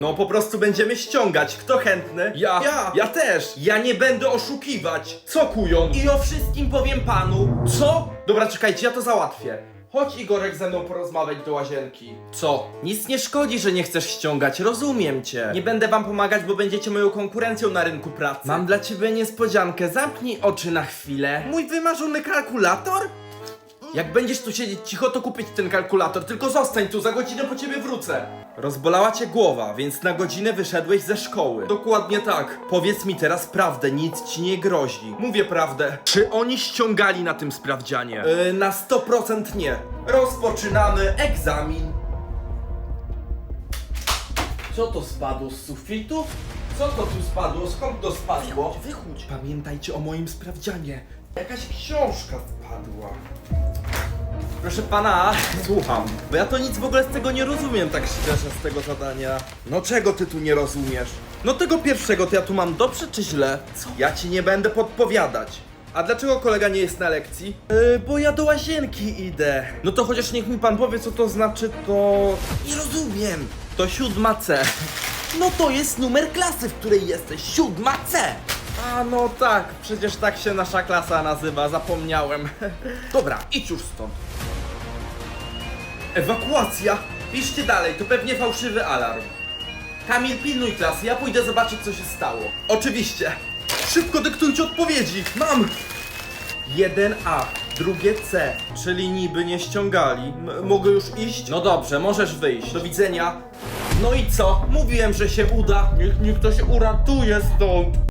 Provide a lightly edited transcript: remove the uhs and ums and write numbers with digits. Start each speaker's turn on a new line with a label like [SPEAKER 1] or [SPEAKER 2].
[SPEAKER 1] No po prostu będziemy ściągać. Kto chętny? Ja też. Ja nie będę oszukiwać. Co kujon? I o wszystkim powiem panu. Co? Dobra, czekajcie, ja to załatwię. Chodź Igorek ze mną porozmawiać do łazienki. Co? Nic nie szkodzi, że nie chcesz ściągać, rozumiem cię. Nie będę wam pomagać, bo będziecie moją konkurencją na rynku pracy. Mam dla ciebie niespodziankę, zamknij oczy na chwilę. Mój wymarzony kalkulator? Jak będziesz tu siedzieć cicho, to kupić ten kalkulator, tylko zostań tu, za godzinę po ciebie wrócę. Rozbolała cię głowa, więc na godzinę wyszedłeś ze szkoły. Dokładnie tak. Powiedz mi teraz prawdę, nic ci nie grozi. Mówię prawdę. Czy oni ściągali na tym sprawdzianie? Na 100% nie. Rozpoczynamy egzamin. Co to spadło z sufitu? Co to tu spadło? Skąd to spadło? Wychódź. Pamiętajcie o moim sprawdzianie. Jakaś książka wpadła. Proszę pana, słucham. Bo ja to nic w ogóle z tego nie rozumiem, tak szczerze, z tego zadania. No czego ty tu nie rozumiesz? No tego pierwszego, to ja tu mam dobrze czy źle? Co? Ja ci nie będę podpowiadać. A dlaczego kolega nie jest na lekcji? Bo ja do łazienki idę. No to chociaż niech mi pan powie, co to znaczy, to... Nie rozumiem. To 7C. No to jest numer klasy, w której jesteś. 7C. A no tak, przecież tak się nasza klasa nazywa, zapomniałem. Dobra, idź już stąd. Ewakuacja! Piszcie dalej, to pewnie fałszywy alarm. Kamil, pilnuj klasy, ja pójdę zobaczyć, co się stało. Oczywiście. Szybko dyktujcie odpowiedzi. Mam! 1A, drugie C, czyli niby nie ściągali. Mogę już iść? No dobrze, możesz wyjść. Do widzenia. No i co? Mówiłem, że się uda. Niech ktoś uratuje stąd.